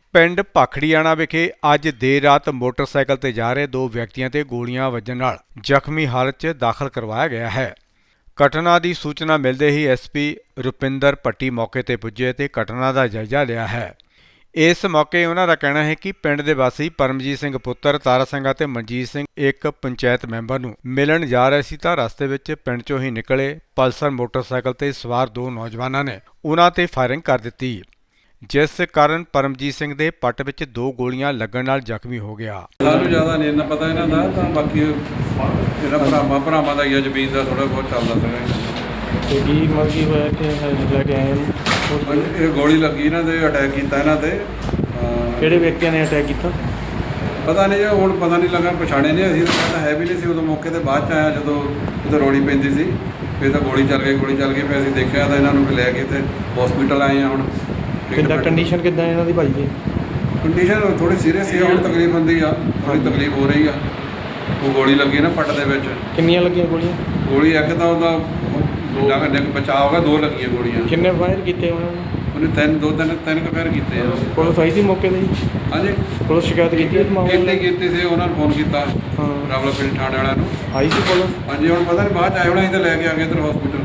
ਪਿੰਡ ਭਾਖੜੀਆਣਾ ਵਿਖੇ ਅੱਜ ਦੇਰ ਰਾਤ ਮੋਟਰਸਾਈਕਲ ਤੇ ਜਾ ਰਹੇ ਦੋ ਵਿਅਕਤੀਆਂ ਤੇ ਗੋਲੀਆਂ ਵੱਜਣ ਨਾਲ ਜ਼ਖਮੀ ਹਾਲਤ 'ਚ ਦਾਖਲ ਕਰਵਾਇਆ ਗਿਆ ਹੈ। ਘਟਨਾ ਦੀ ਸੂਚਨਾ ਮਿਲਦੇ ਹੀ ਐਸਪੀ ਰੁਪਿੰਦਰ ਭੱਟੀ ਮੌਕੇ ਤੇ ਪੁੱਜੇ ਤੇ ਘਟਨਾ ਦਾ ਜਾਇਜ਼ਾ ਲਿਆ ਹੈ। ਇਸ ਮੌਕੇ ਉਹਨਾਂ ਦਾ ਕਹਿਣਾ ਹੈ ਕਿ ਪਿੰਡ ਦੇ ਵਾਸੀ ਪਰਮਜੀਤ ਸਿੰਘ ਪੁੱਤਰ ਤਾਰਾ ਸਿੰਘ ਅਤੇ ਮਨਜੀਤ ਸਿੰਘ ਇੱਕ ਪੰਚਾਇਤ ਮੈਂਬਰ ਨੂੰ ਮਿਲਣ ਜਾ ਰਹੇ ਸੀ ਤਾਂ ਰਸਤੇ ਵਿੱਚ ਪਿੰਡ 'ਚੋਂ ਹੀ ਨਿਕਲੇ ਪਲਸਰ ਮੋਟਰਸਾਈਕਲ ਤੇ ਸਵਾਰ ਦੋ ਨੌਜਵਾਨਾਂ ਨੇ ਉਹਨਾਂ ਤੇ ਫਾਇਰਿੰਗ ਕਰ ਦਿੱਤੀ, ਜਿਸ ਕਾਰਨ ਪਰਮਜੀਤ ਸਿੰਘ ਦੇ ਪੱਟ ਵਿੱਚ ਦੋ ਗੋਲੀਆਂ ਲੱਗਣ ਨਾਲ ਜ਼ਖਮੀ ਹੋ ਗਿਆ। ਸਾਨੂੰ ਜ਼ਿਆਦਾ ਨਹੀਂ ਇੰਨਾ ਪਤਾ ਇਹਨਾਂ ਦਾ, ਤਾਂ ਬਾਕੀ ਜਿਹੜਾ ਭਰਾਵਾਂ ਦਾ ਹੀ ਆ, ਜ਼ਮੀਨ ਦਾ ਥੋੜਾ ਬਹੁਤ ਚੱਲਦਾ ਸੀਗਾ। ਤੇ ਕੀ ਮਰਜ਼ੀ ਹੋਇਆ ਕਿ ਲੈ ਕੇ ਆਏ ਇਹ ਗੋਲੀ ਲੱਗੀ ਇਹਨਾਂ ਦੇ, ਅਟੈਕ ਕੀਤਾ ਇਹਨਾਂ ਤੇ। ਕਿਹੜੇ ਵਿਅਕਤੀਆਂ ਨੇ ਅਟੈਕ ਕੀਤਾ ਪਤਾ ਨਹੀਂ ਜੀ, ਹੁਣ ਪਤਾ ਨਹੀਂ ਲੱਗਾ, ਪਛਾਣੇ ਨਹੀਂ ਅਸੀਂ, ਤਾਂ ਹੈ ਵੀ ਨਹੀਂ ਸੀ ਉਦੋਂ ਮੌਕੇ ਤੇ। ਬਾਅਦ 'ਚ ਆਇਆ ਜਦੋਂ ਉਦੋਂ ਰੋੜੀ ਪੈਂਦੀ ਸੀ, ਫਿਰ ਤਾਂ ਗੋਲੀ ਚੱਲ ਗਈ ਫਿਰ ਅਸੀਂ ਦੇਖਿਆ ਤਾਂ ਇਹਨਾਂ ਨੂੰ ਲੈ ਕੇ ਤੇ ਹਸਪੀਟਲ ਆਏ ਆ। ਹੁਣ ਕਿੱਦਾਂ ਕੰਡੀਸ਼ਨ ਕਿੱਦਾਂ ਇਹਨਾਂ ਦੀ ਭਾਈ ਜੀ? ਕੰਡੀਸ਼ਨ ਥੋੜੀ ਸੀਰੀਅਸ ਹੈ, ਹੁਣ ਤਕਲੀਫ ਹੁੰਦੀ ਆ, ਥੋੜੀ ਤਕਲੀਫ ਹੋ ਰਹੀ ਆ। ਉਹ ਗੋਲੀ ਲੱਗੀ ਨਾ ਪੱਟ ਦੇ ਵਿੱਚ। ਕਿੰਨੀਆਂ ਲੱਗੀਆਂ ਗੋਲੀਆਂ? ਗੋਲੀ ਇੱਕ ਤਾਂ ਉਹਦਾ ਬਚਾਅ ਹੋ ਗਿਆ, ਦੋ ਲੱਗੀਆਂ ਗੋਲੀਆਂ। ਕਿੰਨੇ ਫਾਇਰ ਕੀਤੇ ਉਹਨਾਂ ਨੇ? ਉਹਨੇ ਤਿੰਨ ਕੁ ਫਾਇਰ ਕੀਤੇ ਆ। ਪੁਲਿਸ ਆਈ ਸੀ ਮੌਕੇ 'ਤੇ ਜੀ? ਹਾਂਜੀ, ਪੁਲਿਸ ਸ਼ਿਕਾਇਤ ਕੀਤੀ ਇਸ ਮਾਮਲੇ ਕੀਤੀ ਸੀ, ਉਹਨਾਂ ਨੂੰ ਫੋਨ ਕੀਤਾ ਹਾਂ ਰਾਵਲਪਿੰਡੀ ਥਾਣੇ ਵਾਲਿਆਂ ਨੂੰ। ਆਈ ਸੀ ਪੁਲਿਸ? ਹਾਂਜੀ, ਹੁਣ ਪਤਾ ਨਹੀਂ ਬਾਅਦ 'ਚ ਆਏ ਹੋਣਾ, ਅਸੀਂ ਤਾਂ ਲੈ ਕੇ ਆ ਗਏ ਇੱਧਰ ਹਸਪੀਟਲ।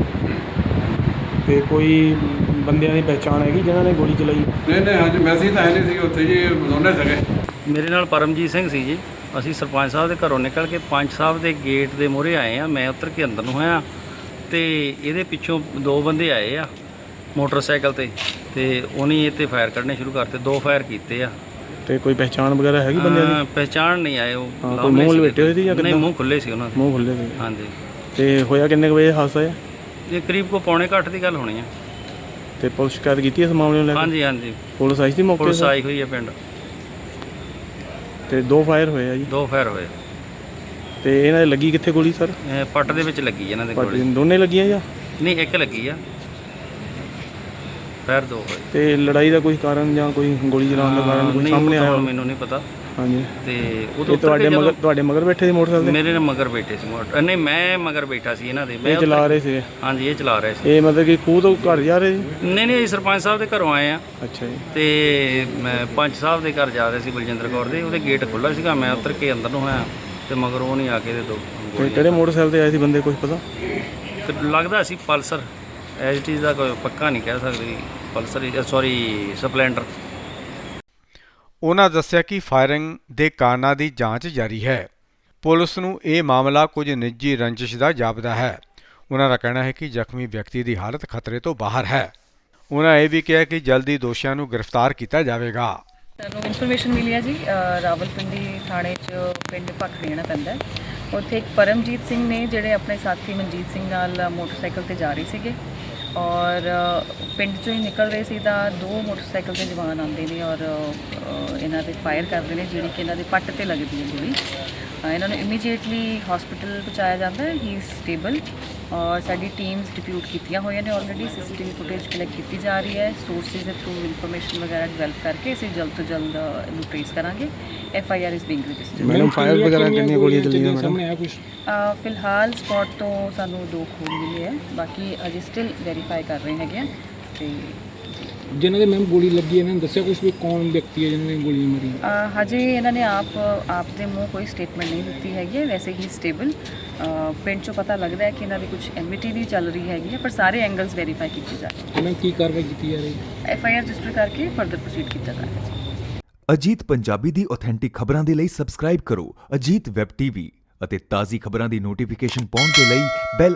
ਤੇ ਕੋਈ ਬੰਦਿਆਂ ਦੀ ਪਹਿਚਾਣ ਹੈਗੀ ਜਿਨ੍ਹਾਂ ਨੇ ਗੋਲੀ ਚਲਾਈ? ਨਹੀਂ ਹਾਂਜੀ, ਮੈਸੇਜ ਤਾਂ ਹੈ ਨਹੀਂ ਸੀ ਉੱਥੇ ਜੀ, ਦੋਨੇ ਸੀਗੇ। ਮੇਰੇ ਨਾਲ ਪਰਮਜੀਤ ਸਿੰਘ ਸੀ ਜੀ। ਅਸੀਂ ਸਰਪੰਚ ਸਾਹਿਬ ਦੇ ਘਰੋਂ ਨਿਕਲ ਕੇ ਪੰਚ ਸਾਹਿਬ ਦੇ ਗੇਟ ਦੇ ਮੂਹਰੇ ਆਏ ਆ। ਮੈਂ ਉੱਤਰ ਕੇ ਅੰਦਰ ਨੂੰ ਹੋਇਆ ਤੇ ਇਹਦੇ ਪਿੱਛੋਂ ਦੋ ਬੰਦੇ ਆਏ ਆ ਮੋਟਰਸਾਈਕਲ ਤੇ ਉਹਨੇ ਇਹ 'ਤੇ ਫਾਇਰ ਕੱਢਣੇ ਸ਼ੁਰੂ ਕਰਤੇ। ਦੋ ਫਾਇਰ ਕੀਤੇ ਆ। ਤੇ ਕੋਈ ਪਹਿਚਾਣ ਵਗੈਰਾ ਹੈਗੀ ਬੰਦਿਆਂ ਦੀ? ਪਹਿਚਾਣ ਨਹੀਂ ਆਏ ਉਹ। ਕੋਈ ਮੂੰਹ ਲਪੇਟੇ ਹੋਏ ਸੀ ਜਾਂ ਨਹੀਂ, ਮੂੰਹ ਖੁੱਲੇ ਸੀ ਉਹਨਾਂ ਦੇ। ਮੂੰਹ ਖੁੱਲੇ ਸੀ? ਹਾਂਜੀ। ਤੇ ਹੋਇਆ ਕਿੰਨੇ ਕੁ ਵਜੇ ਹਾਦਸਾ ਹੈ? ਇਹ ਕਰੀਬ ਕੋ ਪੌਣੇ ਘੱਟ ਦੀ ਗੱਲ ਹੋਣੀ ਆ। ਤੇ ਪੁਲਿਸ ਸ਼ਿਕਾਇਤ ਕੀਤੀ ਇਸ ਮਾਮਲੇ ਨੂੰ ਲੈ ਕੇ? ਹਾਂਜੀ। ਪੁਲਿਸ ਆਈ ਸੀ ਮੌਕੇ ਤੇ? ਪੁਲਿਸ ਆਈ ਹੋਈ ਹੈ ਪਿੰਡ। ਤੇ ਦੋ ਫਾਇਰ ਹੋਏ ਆ ਜੀ? ਦੋ ਫਾਇਰ ਹੋਏ। ਤੇ ਇਹਨਾਂ ਦੇ ਲੱਗੀ ਕਿੱਥੇ ਗੋਲੀ ਸਰ? ਪੱਟ ਦੇ ਵਿੱਚ ਲੱਗੀ ਇਹਨਾਂ ਦੇ ਗੋਲੀ। ਦੋਨੇ ਲੱਗੀਆਂ ਜਾਂ? ਨਹੀਂ, ਇੱਕ ਲੱਗੀ ਆ। ਫਾਇਰ ਦੋ ਹੋਏ। ਤੇ ਲੜਾਈ ਦਾ ਕੋਈ ਕਾਰਨ ਜਾਂ ਕੋਈ ਗੋਲੀ ਚਲਾਉਣ ਦਾ ਕਾਰਨ ਕੋਈ ਸਾਹਮਣੇ ਆਇਆ? ਮੈਨੂੰ ਨਹੀਂ ਪਤਾ। ਹਾਂਜੀ। ਤੇ ਉਹ ਤੁਹਾਡੇ ਮਗਰ ਬੈਠੇ ਸੀ ਮੋਟਰਸਾਈਕਲ? ਮੇਰੇ ਨਾਲ ਮਗਰ ਬੈਠੇ ਸੀ ਨਹੀਂ, ਮੈਂ ਮਗਰ ਬੈਠਾ ਸੀ ਇਹਨਾਂ ਦੇ। ਇਹ ਚਲਾ ਰਹੇ ਸੀ? ਹਾਂਜੀ, ਇਹ ਚਲਾ ਰਹੇ ਸੀ। ਇਹ ਮਤਲਬ ਕਿ ਖੂਹ ਤੋਂ ਘਰ ਜਾ ਰਹੇ ਸੀ? ਨਹੀਂ, ਸਰਪੰਚ ਸਾਹਿਬ ਦੇ ਘਰੋਂ ਆਏ ਆ। ਅੱਛਾ ਜੀ। ਤੇ ਮੈਂ ਪੰਚ ਸਾਹਿਬ ਦੇ ਘਰ ਜਾ ਰਹੇ ਸੀ, ਬਲਜਿੰਦਰ ਕੌਰ ਦੇ। ਉਹਦੇ ਗੇਟ ਖੁੱਲ੍ਹਾ ਸੀਗਾ, ਮੈਂ ਉੱਤਰ ਕੇ ਅੰਦਰ ਨੂੰ ਹੋਇਆ ਤੇ ਮਗਰ ਉਹ ਨਹੀਂ ਆ ਕੇ ਦੇ ਦੋ। ਤੇ ਕਿਹੜੇ ਮੋਟਰਸਾਈਕਲ ਤੇ ਆਏ ਸੀ ਬੰਦੇ, ਕੁਝ ਪਤਾ? ਲੱਗਦਾ ਸੀ ਪਲਸਰ। ਐਜ ਇਟ ਇਜ਼ ਦਾ ਕੋਈ ਪੱਕਾ ਨਹੀਂ ਕਹਿ ਸਕਦੇ। Pulsar Splendor. ਉਹਨਾਂ ਦੱਸਿਆ ਕਿ ਫਾਇਰਿੰਗ ਦੇ ਕਾਰਨਾਂ ਦੀ ਜਾਂਚ ਜਾਰੀ ਹੈ। ਪੁਲਿਸ ਨੂੰ ਇਹ ਮਾਮਲਾ ਕੁਝ ਨਿੱਜੀ ਰੰਜਿਸ਼ ਦਾ ਜਾਪਦਾ ਹੈ। ਉਹਨਾਂ ਦਾ ਕਹਿਣਾ ਹੈ ਕਿ ਜ਼ਖਮੀ ਵਿਅਕਤੀ ਦੀ ਹਾਲਤ ਖਤਰੇ ਤੋਂ ਬਾਹਰ ਹੈ। ਉਹਨਾਂ ਇਹ ਵੀ ਕਿਹਾ ਕਿ ਜਲਦੀ ਦੋਸ਼ੀਆਂ ਨੂੰ ਗ੍ਰਿਫਤਾਰ ਕੀਤਾ ਜਾਵੇਗਾ। ਸਾਨੂੰ ਇਨਫੋਰਮੇਸ਼ਨ ਮਿਲੀ ਹੈ ਜੀ, ਰਾਵਲਪਿੰਡੀ ਥਾਣੇ 'ਚ ਪਿੰਡ ਭਾਖੜੀਆਣਾ ਪੈਂਦਾ। ਉੱਥੇ ਇੱਕ ਪਰਮਜੀਤ ਸਿੰਘ ਨੇ ਜਿਹੜੇ ਆਪਣੇ ਸਾਥੀ ਮਨਜੀਤ ਸਿੰਘ ਨਾਲ ਮੋਟਰਸਾਈਕਲ ਤੇ ਜਾ ਰਹੇ ਸੀਗੇ ਔਰ ਪਿੰਡ 'ਚੋਂ ਹੀ ਨਿਕਲ ਰਹੇ ਸੀ ਤਾਂ ਦੋ ਮੋਟਰਸਾਈਕਲ ਦੇ ਜਵਾਨ ਆਉਂਦੇ ਨੇ ਔਰ ਇਹਨਾਂ ਦੇ ਫਾਇਰ ਕਰਦੇ ਨੇ, ਜਿਹੜੀ ਕਿ ਇਹਨਾਂ ਦੇ ਪੱਟ ਤੇ ਲੱਗਦੀ ਹੈ ਗੋਲੀ। ਇਹਨਾਂ ਨੂੰ ਇਮੀਡੀਏਟਲੀ ਹਸਪੀਟਲ ਪਹੁੰਚਾਇਆ ਜਾਂਦਾ ਹੈ। ਹੀ ਇਜ਼ ਸਟੇਬਲ ਔਰ ਸਾਡੀ ਟੀਮਸ ਡਿਪਿਊਟ ਕੀਤੀਆਂ ਹੋਈਆਂ ਨੇ ਆਲਰੇਡੀ। CCTV ਫੁਟੇਜ ਕਲੈਕਟ ਕੀਤੀ ਜਾ ਰਹੀ ਹੈ। ਸੋਰਸਿਸ ਦੇ ਥਰੂ ਇਨਫੋਰਮੇਸ਼ਨ ਵਗੈਰਾ ਡਿਵੈਲਪ ਕਰਕੇ ਅਸੀਂ ਜਲਦ ਤੋਂ ਜਲਦ ਇਹਨੂੰ ਟ੍ਰੇਸ ਕਰਾਂਗੇ। FIR is being registered. Madam fire ਵਗੈਰਾ ਕਿੰਨੀਆਂ ਗੋਲੀਆਂ ਚੱਲੀਆਂ ਮੈਡਮ? ਫਿਲਹਾਲ ਸਪੌਟ ਤੋਂ ਸਾਨੂੰ ਦੋ ਖੂਨ ਮਿਲੇ ਹੈ, ਬਾਕੀ ਅਜੇ ਸਟਿਲ ਵੈਰੀਫਾਈ ਕਰ ਰਹੇ ਹੈਗੇ ਆ। ਤੇ ਜਿਨ੍ਹਾਂ ਦੇ ਮੈਮ ਗੋਲੀ ਲੱਗੀ ਇਹਨਾਂ ਨੇ ਦੱਸਿਆ ਕੁਝ ਵੀ ਕੌਣ ਵਿਅਕਤੀ ਹੈ ਜਿਹਨਾਂ ਨੇ ਗੋਲੀਆਂ ਮਾਰੀਆਂ? ਹਜੇ ਇਹਨਾਂ ਨੇ ਆਪ ਦੇ ਮੂੰਹ ਕੋਈ ਸਟੇਟਮੈਂਟ ਨਹੀਂ ਦਿੱਤੀ ਹੈਗੀ ਹੈ। ਵੈਸੇ ਹੀ ਸਟੇਬਲ ਪਿੰਡ 'ਚੋਂ ਪਤਾ ਲੱਗਦਾ ਹੈ ਕਿ ਇਹਨਾਂ ਦੀ ਕੁਝ ਐਮਿਟੀ ਵੀ ਚੱਲ ਰਹੀ ਹੈਗੀ ਹੈ, ਪਰ ਸਾਰੇ ਐਂਗਲਸ ਵੈਰੀਫਾਈ ਕੀਤੇ ਜਾ ਰਹੇ। ਇਹਨਾਂ ਕੀ ਕਾਰਵਾਈ ਕੀਤੀ ਜਾ ਰਹੀ ਹੈ? FIR ਰਜਿਸਟਰ ਕਰਕੇ ਫਰਦਰ ਪ੍ਰੋਸੀਡ ਕੀਤਾ ਜਾ ਰਿਹਾ ਹੈ। ਅਜੀਤ ਪੰਜਾਬੀ ਦੀ ਆਥੈਂਟਿਕ ਖਬਰਾਂ ਦੇ ਲਈ ਸਬਸਕ੍ਰਾਈਬ ਕਰੋ ਅਜੀਤ ਵੈਬ TV ਅਤੇ ਤਾਜ਼ੀ ਖਬਰਾਂ ਦੀ ਨੋਟੀਫਿਕੇਸ਼ਨ ਪਾਉਣ ਦੇ ਲਈ ਬੈਲ